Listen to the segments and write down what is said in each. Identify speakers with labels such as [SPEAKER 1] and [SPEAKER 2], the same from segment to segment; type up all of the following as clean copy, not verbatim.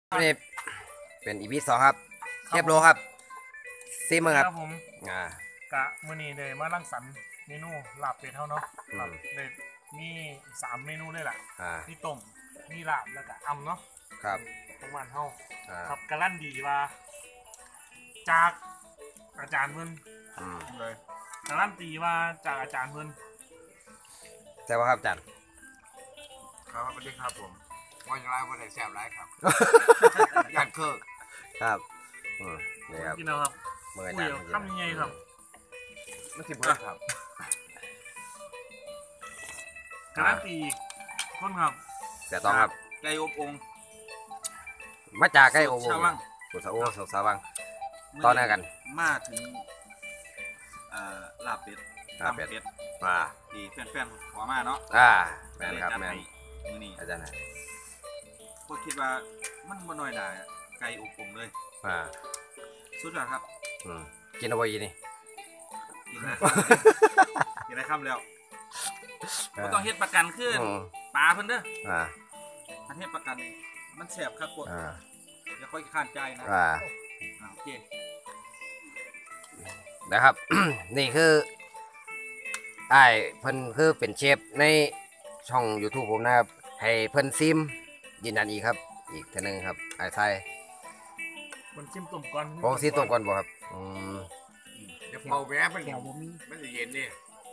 [SPEAKER 1] นี่เป็นอีพี2ครับเทียบโลครับซีมือครับ
[SPEAKER 2] ผมกะมื้อนี้เลยมารังสรรค์เมนูลาบเป็ดเท่าเนาะเลยมี3เมนูเลยล่ะมีต้มมีลาบแล้วก็อ่ำเนาะ
[SPEAKER 1] ครับ
[SPEAKER 2] ประมาณเท่าครับกะลั่นดีว่าจากอาจารย์เพิ่นเลยกะลั่นตีว่าจากอาจารย์เพิ่น
[SPEAKER 1] ใช่ป่ะครับอาจารย์
[SPEAKER 3] ครับสวัสดีครับผมวันไรวันไหนแซ่บไรครับยันเคิร์
[SPEAKER 1] ครับนี่ครับ
[SPEAKER 2] กินเอาครับ
[SPEAKER 1] มืออาจารย์
[SPEAKER 2] ทำยังไงครับ
[SPEAKER 3] ไม่สิบเบิร์ครับ
[SPEAKER 2] กะลั่นตีคนครับ
[SPEAKER 1] แต่ต้องครับ
[SPEAKER 3] ไก่อบอง
[SPEAKER 1] มาจากไก่อบ
[SPEAKER 3] ชาววัง
[SPEAKER 1] สุสาโอสุสาวังตอนนี้กัน
[SPEAKER 3] มาถึงลาบเป็ด
[SPEAKER 1] เป็ด
[SPEAKER 3] ที่แฟนๆขอมาเนาะ
[SPEAKER 1] แมนครับแมน
[SPEAKER 3] มือนี้
[SPEAKER 1] อาจารย์
[SPEAKER 3] ก็คิดว่ามันบ่น้อยหน่าไก่อบองเลยสุดยอดครับ
[SPEAKER 1] กินเอาไว้ยี่นี่
[SPEAKER 3] กินได้คำแล้วก็ต้องเฮ็ดประกันขึ้นปลาเพิ่นเด้ออันเฮ็ดประกันมันแสบครับกดอย่าค่อยข้านใจนะโอเค
[SPEAKER 1] นะครับ นี่คือไอ้เพิ่นคือเป็นเชฟในช่อง YouTube ผมนะครับให้เพิ่นซิมยืนยันอีกครับอีกทีนึงครับไอ้ไทย
[SPEAKER 2] มันซิมต้มก่อน
[SPEAKER 1] โอ้ซิมต้มก่อนบ่ครับ
[SPEAKER 3] เดี๋ยวเป่าแวะมันจะเย็นดิ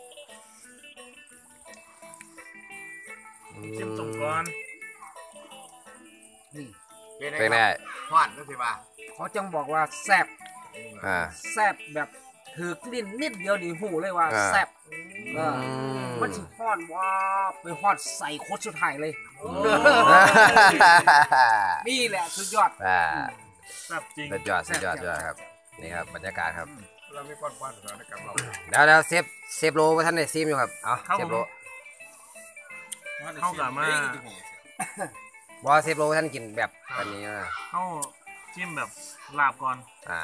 [SPEAKER 2] ซิมต้มก่อน
[SPEAKER 3] นี่
[SPEAKER 1] เป็นไง
[SPEAKER 3] ทอดก็สิว่า
[SPEAKER 4] เขาจังบอกว่าแซ่บแซ่บแบบถือกลิ่นนิดเดียวนี่หูเลยว่าแซ่บมันสิฮอดว่าไปฮอดใส่โคตรสุดท้ายเลยนี่แหละสุดยอด
[SPEAKER 2] แซ่บจริง
[SPEAKER 1] สุดยอดครับนี่ครับบรรยากาศครับ
[SPEAKER 3] เราไม่ป้อนสถานการณ์เรา
[SPEAKER 1] แล้วเซฟโลว่าท่านได้ซิมอยู่ครับเอาเซฟโล
[SPEAKER 2] เข้ากับมา
[SPEAKER 1] บอเซฟโลท่านกินแบบอันนี้นะ
[SPEAKER 2] เข้าจิ้มแบบลาบก่อน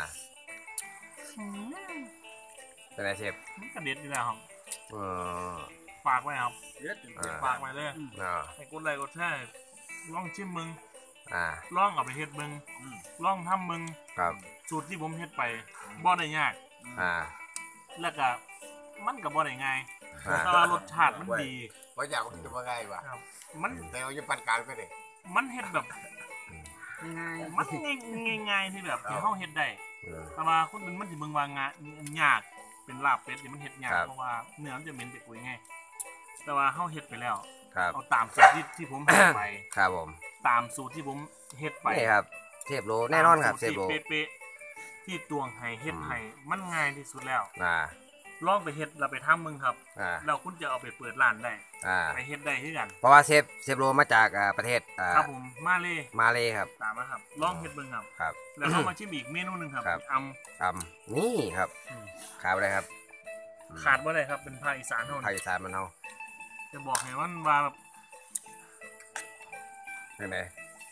[SPEAKER 1] เป็นไงเชฟ
[SPEAKER 2] กระเด็ดนี่แหละครับฝากไว้ครับฝากไว้เลยให้กดไลค์กดแชร์ลองชิมมึงลองเอาไปเฮ็ดมึงลองทำมึงสูตรที่ผมเฮ็ดไปบ่ได้ยากแล้วก็มันก็บ่ได้ง่ายแต่ว่ารสชาติมันดี
[SPEAKER 3] ว่าอยากกินว่าไงวะ
[SPEAKER 2] มัน
[SPEAKER 3] แต่ว่าจะปั่นการก็ได้
[SPEAKER 2] มันเฮ็ดแบบ
[SPEAKER 4] ง่าย
[SPEAKER 2] มันง่ายที่แบบที่เฮาเฮ็ดได้แต่ว่าคนอื่นมันสิเบิ่งว่างานยากเป็นลาบเป็ดนี่มันเฮ็ดยากเพราะว่าเนื้อมันจะเหม็นไปปุ๋ยไงแต่ว่าเฮาเฮ็ดไปแล้วเอาตามสูตรที่ผมเฮ็ดไป
[SPEAKER 1] ครับผม
[SPEAKER 2] ตามสูตรที่ผมเฮ็ดไป
[SPEAKER 1] นี่ครับเทปโลแน่นอนครับเทปโล
[SPEAKER 2] เป๊ะๆที่ตวงให้เฮ็ดให้มันง่ายที่สุดแล้วลองไปเฮ็ดแล้วไปทำมึงครับแล้วคุณจะเอาไปเปิดร้านได้ไปเฮ็ดได้คือกัน
[SPEAKER 1] เพราะว่าเชฟโลมาจากประเทศ
[SPEAKER 2] ครับผมมา
[SPEAKER 1] เลยครับ
[SPEAKER 2] ตามมาครับลองเฮ็ดเบิ่งครับแล้วเข้ามาชิมอีกเมนูนึงครับ
[SPEAKER 1] นี่ครับขาดอะไรครับ
[SPEAKER 2] ขาดบ่ได้ครับเป็นภาคอีสานเฮา
[SPEAKER 1] ภาคอีสานมันเฮา
[SPEAKER 2] จะบอกให้ว่าแบบ
[SPEAKER 1] เป็นไง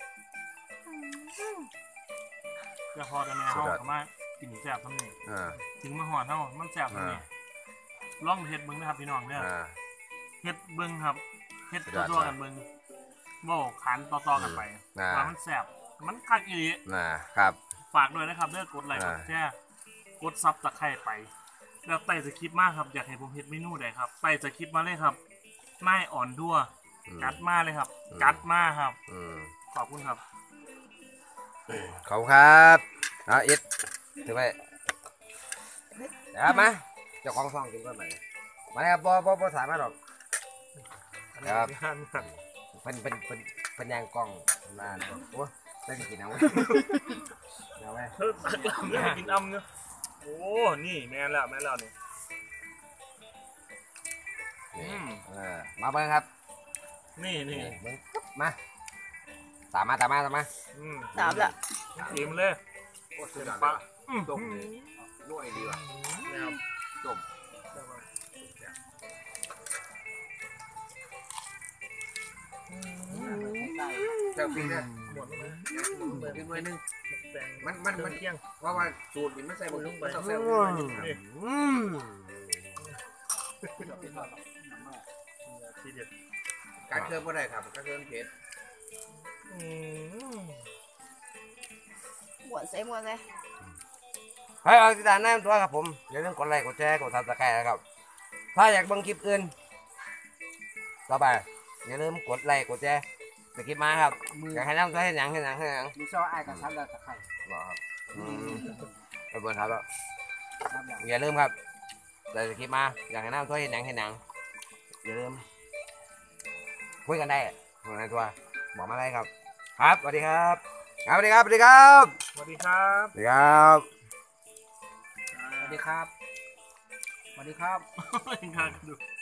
[SPEAKER 2] จะพอกันแม่เฮาก็มากินแซ่บทั้งนี้ถึงมาหอดเฮามันแซ่บทั้งนี้ลองเฮ็ดเบิ่งนะครับพี่น้องเด้อเฮ็ดเบิ่งครับเฮ็ดตัวกันเบิ่งบ่ขันต่อกันไปว่ามันแซ่บมันคักอีหลี
[SPEAKER 1] ครับ
[SPEAKER 2] ฝากด้วยนะครับเด้อกดไลค์กดแชร์กดซับตะไคร้ไปแล้วไต่สคริปต์มากครับอยากให้ผมเฮ็ดเมนูใดครับไต่สคริปต์มาเลยครับไม่อ่อนทั่วกัดมาเลยครับกัดมาครับขอบคุณครับ
[SPEAKER 1] ขอบคุณครับอิดถือไปเดี๋ยวมาเจ้าของซองกินก่อนไหมมาเลยครับบ่สามารถหรอกครับเป็นยางกล้องนานโอ้ได้กินเอาไว้เอาไว้
[SPEAKER 2] ได้กินอ้ำเนาะโอ้นี่แม่แล้วนี่
[SPEAKER 1] มาเบิ้งครับ
[SPEAKER 2] นี่
[SPEAKER 1] มาตามมา
[SPEAKER 4] ตามละ
[SPEAKER 2] อิ่มเลย
[SPEAKER 3] โอ้สุดยอดปะต้มเลยนุ่ยดีว่ะ
[SPEAKER 2] นะครับ
[SPEAKER 3] ต้มเจ้าปีเนี่ยหมดเลยกินไว้นึงมันเที่ยงเพราะว่าสูตรมันใส่หมดลงไปใส่การเคลื่อนบ่ได้ครับการเคลื่อนเผ็ด
[SPEAKER 5] ใส่หมวกใส่
[SPEAKER 1] ให้เอาติดตามแน่ตัวครับผมอย่าลืมกดไลค์กดแชร์กดซับสไครต์นะครับถ้าอยากเบิ่งคลิปอื่นต่อไปอย่าลืมกดไลค์กดแชร์สกิปมาครับอยากให้น้ำตัวให้หนังให้หนังให้หนัง
[SPEAKER 4] มีซอไอ้กับซับแล้วตะไคร้
[SPEAKER 1] บอกครับไปเบิ่งครับแล้ว
[SPEAKER 4] ซับแล้ว
[SPEAKER 1] อย่าลืมครับแต่สกิปมาอยากให้น้ำตัวให้หนังให้หนังอย่าลืมคุยกันได้คุยกันตัวบอกมาได้ครับครับสวัสดีครับสวัสดีครับสวัสดีครับ
[SPEAKER 2] สวัสดีครับ
[SPEAKER 1] สวัสดีครับ
[SPEAKER 4] สวัสดีครับสวัสดีครับ
[SPEAKER 2] ยังทานกันดู